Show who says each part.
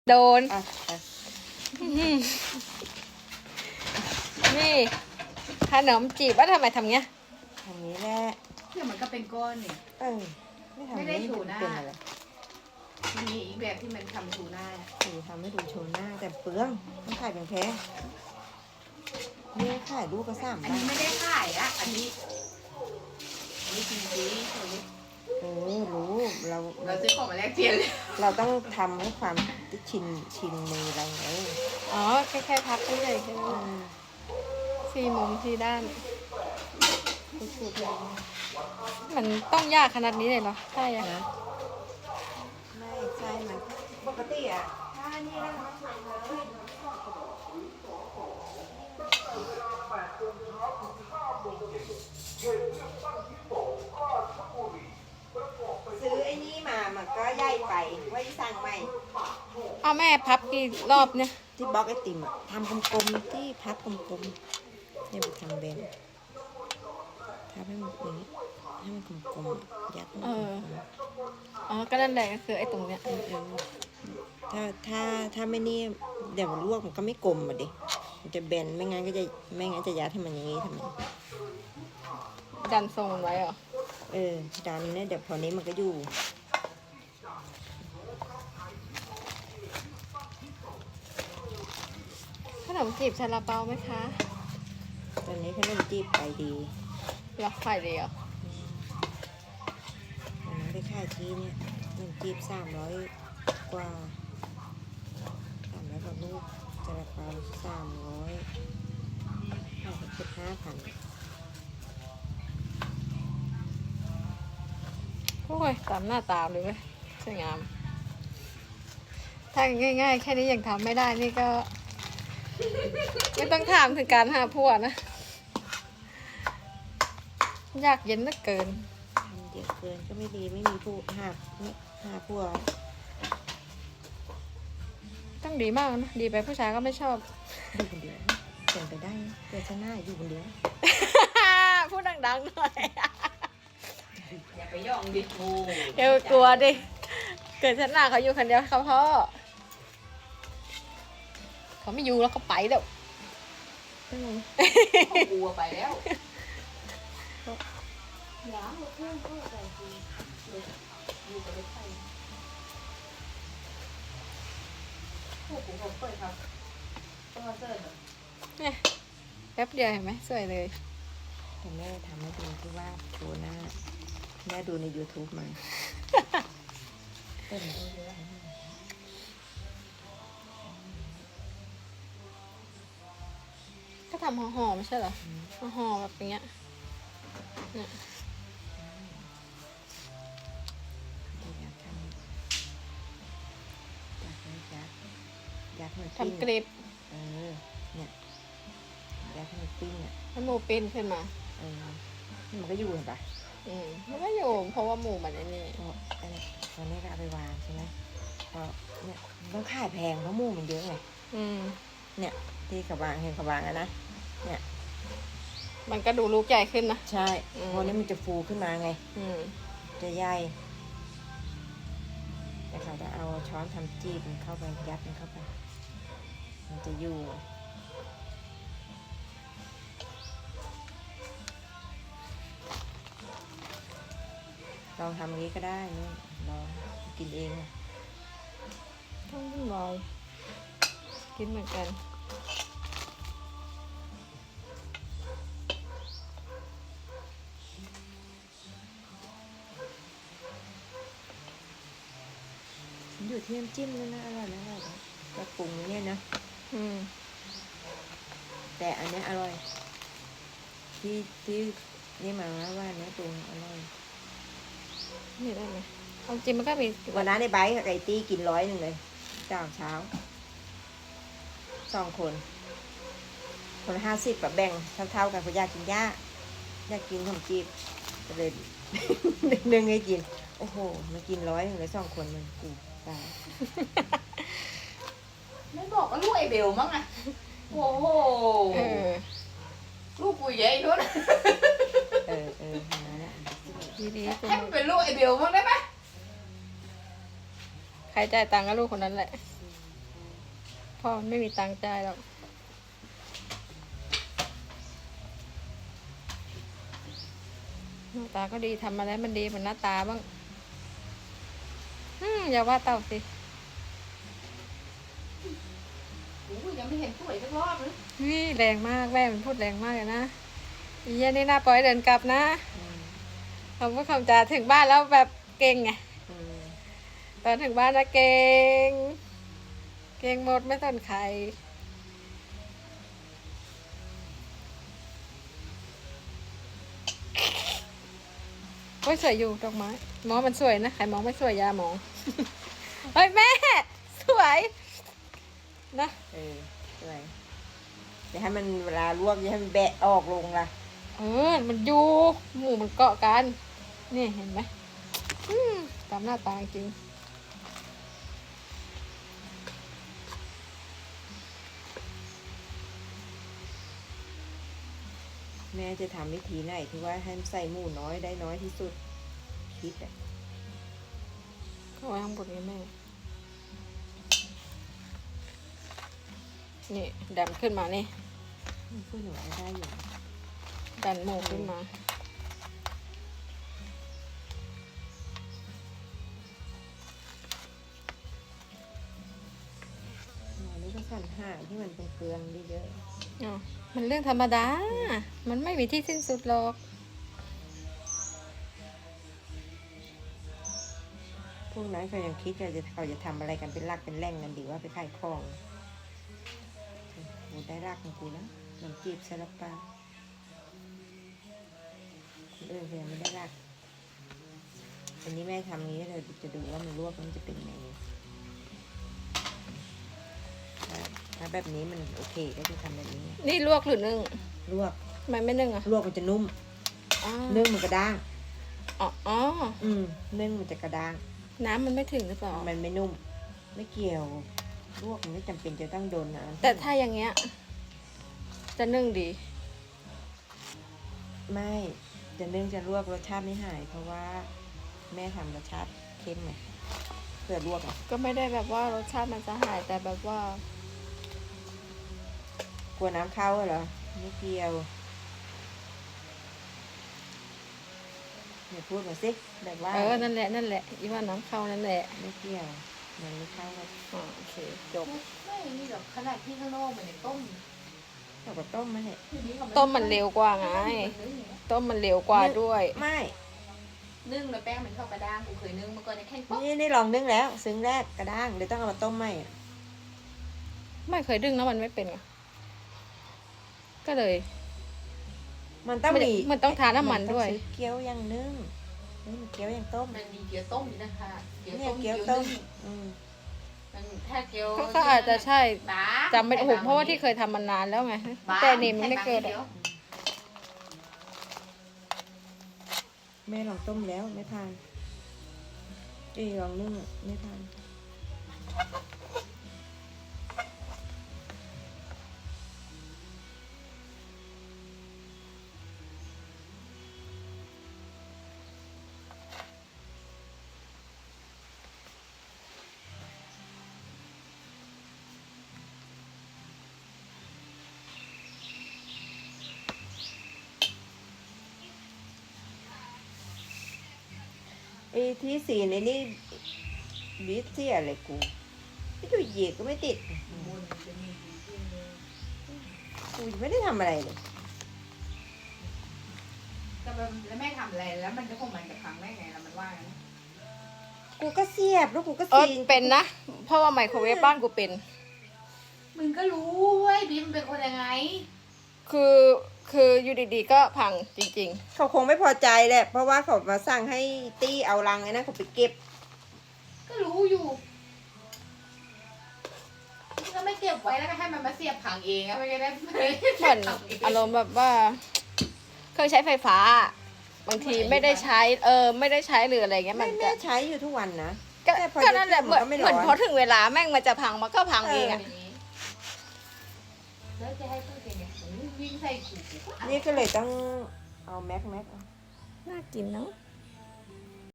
Speaker 1: โดน
Speaker 2: อ่ะ
Speaker 1: นี่ขนมจีบว่าทำไมทำเงี้ย
Speaker 2: ทางนี้แหละ
Speaker 3: เนี่ยมันก็เป็นก้อนเนี่ย
Speaker 2: เออไม่ทำ
Speaker 3: ไม่ได้ถูหน้า
Speaker 2: เป็นอะไร
Speaker 3: มีอีกแบบที่มันทำทูน่า
Speaker 2: คือทำให้ดูโชว์หน้าแต่เปลืองต้องขายแพงๆเนี่ยขายลูกก็3
Speaker 3: อัน
Speaker 2: บา
Speaker 3: นี้
Speaker 2: ท
Speaker 3: ไม่ได้ขายอะอันนี้จริง
Speaker 2: เออรู้เรา
Speaker 3: ๆเราซื้อของมาแลกเปลี่ยนเลย
Speaker 2: เราต้องทำให้ความชินมือเราไง
Speaker 1: อ๋อแค่พับเฉยๆแค่นั้น
Speaker 2: เอ
Speaker 1: แหละ
Speaker 2: อ
Speaker 1: สี่มุมสี่ด้าน
Speaker 2: พูดๆเลย
Speaker 1: มันต้องยากขนาดนี้เลยเหรอใช่อะ
Speaker 2: นะไม่ใช่มันปกติอ่ะถ้านี่แล้วมันทำเลยซื้อไอ้นี่มามันก็ใหญ่ไปไว้สั่งใหม่
Speaker 1: เอาแม่พับกี่รอบเนี่ย
Speaker 2: ที่บล็อกไอติมอะทำกลมๆที่พับกลมๆเนี่ยมันทำเบนทับให้มันอย่างนี้ให้มันกลมๆยัดให้มันกลม
Speaker 1: อ๋อก็นั่นแหละก็คือไอ้ตรงเนี้ย
Speaker 2: ๆถ้าไม่นี่เดี๋ยวมันลวกมันก็ไม่กลมอ่ะดิมันจะเบนไม่งั้นจะยัดให้มันอย่างนี้ทำไม
Speaker 1: ดันทรงมันไว้เหรอ
Speaker 2: ดันเนี่ยเดี๋ยวพอนี้มันก็อยู่
Speaker 1: ขนมจีบซาลาเปาไหมคะ
Speaker 2: ตอนนี้ขนมจีบไปดี
Speaker 1: หรอฝ่ายเดียว
Speaker 2: วันนั้นไปขายที่เนี่ยขนมจีบ300 กว่า300 กว่าลูกจะราคา3005,000
Speaker 1: โอ้ยตามหน้าตาเลยเว้ยสวยงาม ถ้าง่ายๆ แค่นี้ยังทำไม่ได้นี่ก็ ไม่ต้องถามถึงการหาผัวนะ ยากเย็นเหลือเกิน
Speaker 2: ทำเยอะเกินก็ไม่ดีไม่มีผู้หาผัว
Speaker 1: ต้องดีมากนะ ดีไปผู้ชายก็ไม่ชอบ
Speaker 2: อยู่คนเดียวเป็นไปได้นะเกิดชนะอยู่คนเดียว
Speaker 1: พูดดังๆหน่อย
Speaker 3: อย่าไปย่องดิโอ้
Speaker 1: เดี๋ยวกลัวดิ เกิดชนะเขาอยู่คนเดียวเขาพ่อเขาไม่อยู่แล้วเขาไปเดี๋ยว
Speaker 3: เขากลัวไปแล้วอย่าเอาเครื่องเข้าใจดีอยู่กับรถไฟพวกผมก็เปิดครับต้องมาเจอแบบ
Speaker 1: เนี่ยแป๊บเดียวเห็นไหมสวยเลย
Speaker 2: แต่แม่ทำให้ดูที่ว่าโชว์หน้าแม่ดูใน YouTube มาเต้นเยอะ
Speaker 1: ก็ทำห่อๆไม่ใช่เหรอห่อๆแบบอย่างเงี้ยเนี่ย
Speaker 2: อยากทำอยากให้มันปิ้ง
Speaker 1: ทำกริบ
Speaker 2: เนี่ยอยากให้มันปิ้งอ่ะ
Speaker 1: ให้หมูปิ้นขึ้นมา
Speaker 2: มันก็อยู่เห็นปะ
Speaker 1: มันก็อยู่เพราะว่าหมูมันไอ้นี่
Speaker 2: พออันนี้ตอนนี้ก็เอาไปวางใช่ไหมพอเนี่ยมันต้องขายแพงเพราะหมูมันเยอะไง เนี่ยที่เขาวางเห็นเขาวางอะนะ เนี่ย
Speaker 1: มันก็ดูลูกใหญ่ขึ้นนะ
Speaker 2: ใช่เพราะนี้มันจะฟูขึ้นมาไง จะใหญ่แต่เขาจะเอาช้อนทำจีบมันเข้าไปยัดมันเข้าไป มันจะอยู่ลองทำอย่างนี้ก็ได้นี่ลองกินเอง
Speaker 1: ต้องลอยกินเหมือนกัน
Speaker 2: อยู่ที่น้ำจิ้มด้วยนะอร่อยนะอร่อยนะกระปรุงเนี่ยนะ แต่อันเนี้ยอร่อย ที่นี่มาว่าเนี้ยปรุงอร่อย
Speaker 1: นี่ได้ไหมเอาจริงมันก็มี
Speaker 2: วันนั้นในไบค์กับไก่ตี้กิน100เลยเช้า2 คนคนละ50แบบแบ่งเท่าๆกันเพราะอยากกินย่าอยากกินขนมจีบก็เลย นึ่งให้กิน โอ้โหมากิน100เลย2 คนมันกูตาย
Speaker 3: ไม่บอกว่าลูกไอเบลมั้งอะโอ้โหลูกกูใหญ่ด้วย
Speaker 2: มาแล้ว
Speaker 1: ดีๆ
Speaker 3: ให้มันเป็นลูกไอเบลมั้งได้ไหม
Speaker 1: ใครจ่ายตังค์ก็ลูกคนนั้นแหละพ่อมันไม่มีตังค์จ่ายหรอกหน้าตาก็ดีทำอะไรมันดีเหมือนหน้าตาบ้างอย่าว่าเต่าสิ
Speaker 3: โอ้ยยังไม่เห็นสวยสักรอบเลย
Speaker 1: นี่แรงมากแม่มันพูดแรงมากเลยนะอีเหี้ยนี่น่าปล่อยเดินกลับนะ
Speaker 2: อืม
Speaker 1: คำพูดคำจาถึงบ้านแล้วแบบเก่งไง
Speaker 2: อืม
Speaker 1: ตอนถึงบ้านนะเก่งเก่งหมดไม่สนใครโอ้ยสวยอยู่ดอกไม้มองมันสวยนะใครมองไม่สวยอยามอง เฮ้ยแม่สวยนะ
Speaker 2: สวยอย่าให้มันเวลาลวกอย่าให้มันแบะออกลงล่ะ
Speaker 1: มันอยู่หมูมันเกาะกันนี่เห็นไหมตามหน้าตาจริง
Speaker 2: แม่จะทำวิธีไหนที่ว่าให้มันใส่หมูน้อยได้น้อยที่สุดคิดอ่ะ
Speaker 1: ก็ไว้ข้างบนนี้แม่ นี่ดันขึ้นมานี่
Speaker 2: มันพูดถึงอะไรได้อยู่
Speaker 1: ดันหมูขึ้นมา
Speaker 2: หนูนี่ก็สั่นห่างที่มันเป็นเกลืองเยอะ
Speaker 1: อ๋อ มันเรื่องธรรมดา มันไม่มีที่สิ้นสุดหรอก
Speaker 2: ๆพวกนั้นเขายังคิดว่าเขาจะทำอะไรกันเป็นรากเป็นแหล่งกันดีว่าไปขายของกูได้รากของกูแล้วน้ำจีบซาลาเปาคนอื่นเขายังไม่ได้รากอันนี้แม่ทำนี้เราจะดูว่ามันลวกมันจะเป็นยังไงถ้าแบบนี้มันโอเคก็จะทำแบบนี้
Speaker 1: นี่ลวกหรือนึ่ง
Speaker 2: ลวก
Speaker 1: ทำไมไม่นึ่งอ่ะ
Speaker 2: ลวกมันจะนุ่ม
Speaker 1: อ๋อ
Speaker 2: นึ่งมันกระด้าง
Speaker 1: อ๋อ
Speaker 2: นึ่งมันจะกระด้าง
Speaker 1: น้ำมันไม่ถึงหรือเปล่า
Speaker 2: มันไม่นุ่ม ไม่เกี่ยว ลวกมันไม่จำเป็นจะต้องโดนน้ำ
Speaker 1: แต่ถ้าอย่างเงี้ย จะนึ่งดี
Speaker 2: ไม่จะนึ่งจะลวกรสชาติไม่หาย เพราะว่าแม่ทำรสชาติเข้มไงเพื่อลวกอ่ะ
Speaker 1: ก็ไม่ได้แบบว่ารสชาติมันจะหายแต่แบบว่า
Speaker 2: กลัวน้ำเข้าเหรอไม่เกี่ยวเนี่ยพูดมาสิแบบว่า
Speaker 1: นั่นแหละอีว่าน้ำเข้านั่นแหละ
Speaker 2: ไม่เกี่ยวมันไม่เข้าก็
Speaker 1: อ๋อโอเคจบ
Speaker 3: ไม่นี่หรอกขนาดที่ข้างนอกเหมือนในต้ม
Speaker 2: เราก็ต้มมาเนี่ย
Speaker 1: ต้มมันเร็วกว่าไง ต้มมันเร็วกว่าด้วย
Speaker 2: ไม่
Speaker 3: นึ่งแล้วแป้งมันเข้ากระด้างกูเคยนึ่งเมื่อก่อนในแค่ป๊อก
Speaker 2: นี่ลองนึ่งแล้วซึ้งแรกกระด้างเดี๋ยวต้องเอามาต้มใหม่อะ
Speaker 1: ไม่เคยดึงแล้วมันไม่เป็นไงก็เลย
Speaker 2: มันต้องมี
Speaker 1: มันต้องทาน้ำมันด้วย
Speaker 2: ต้องซื้อเกี๊ยวอย่างนึ่งนี่มันเกี๊ยวอย่างต้ม
Speaker 3: มันมีเกี๊ยวต้มอยู่นะคะเกี๊ยว
Speaker 2: เนี่ย
Speaker 3: ต้ม
Speaker 2: เกี๊
Speaker 3: เกี๊
Speaker 2: ย
Speaker 3: ยว ว
Speaker 2: ต้
Speaker 3: นึ่
Speaker 2: ม
Speaker 3: ง
Speaker 2: อืม
Speaker 3: มันถ้าเกี๊ยว
Speaker 1: ก็อาจจะใช่
Speaker 3: บ้า
Speaker 1: จำไม่ได้โอ้โหเพราะว่าที่เคยทำมานานแล้วไง
Speaker 3: บ้า
Speaker 1: แต่นี่มันไม่เกิด
Speaker 3: ใส่
Speaker 1: อะ
Speaker 3: บาง
Speaker 2: แม่ลองต้มแล้วไม่ทานลองนึ่งอะไม่ทานที่สีในนี่บีทเสียอะไรกูไม่ดูเหยียดก็ไม่ติดกูยังไม่ได้ทำอะไรเลย
Speaker 3: แต่แบบแล้วแม่ทำอะไรแล้วมันจะคงมันกับครั้งได้ไงแล้วมันว่าไง
Speaker 2: กูก็เสียบแล้วกูก็
Speaker 1: เออ
Speaker 2: ซีน
Speaker 1: เป็นนะ เพราะว่าไมโครเวฟบ้านกูเป็น
Speaker 3: มึงก็รู้เว้ยบีมนเป็นคนยังไง
Speaker 1: คืออยู่ดีๆก็พังจริง
Speaker 2: เขาคงไม่พอใจแหละเพราะว่าเขามาสั่งให้ตี้เอารังไอ้นั่นเขาไปเก็บ
Speaker 3: ก็รู้อยู่นี่ก็ไม่เก็บไว้แล้วก็ให้มันมาเสียบผังเองอะไม่ได้
Speaker 1: ๆ เหมือนอารมณ์แบบว่าเครื่องใช้ไฟฟ้า บางทีไม่ได้ใช้ไม่ได้ใช้หรืออะไรเงี้ยมัน
Speaker 2: แม่
Speaker 1: จะ
Speaker 2: ใช้อยู่ทุกวันนะ
Speaker 1: ก็
Speaker 2: แต่พอ
Speaker 1: ก็นั่นแหละเหมือน
Speaker 2: มันก็ไม่
Speaker 1: เหมือน
Speaker 2: ร้อน
Speaker 1: พอถึงเวลาแม่งมันจะพังมันก็พังเองอะ
Speaker 3: แล้วจะให้พูดยังไงวิ่งใส่กูก็เอา
Speaker 2: นี่ก็เลยต้องเอาแม็กเอา
Speaker 1: น่ากินเนาะ
Speaker 3: เ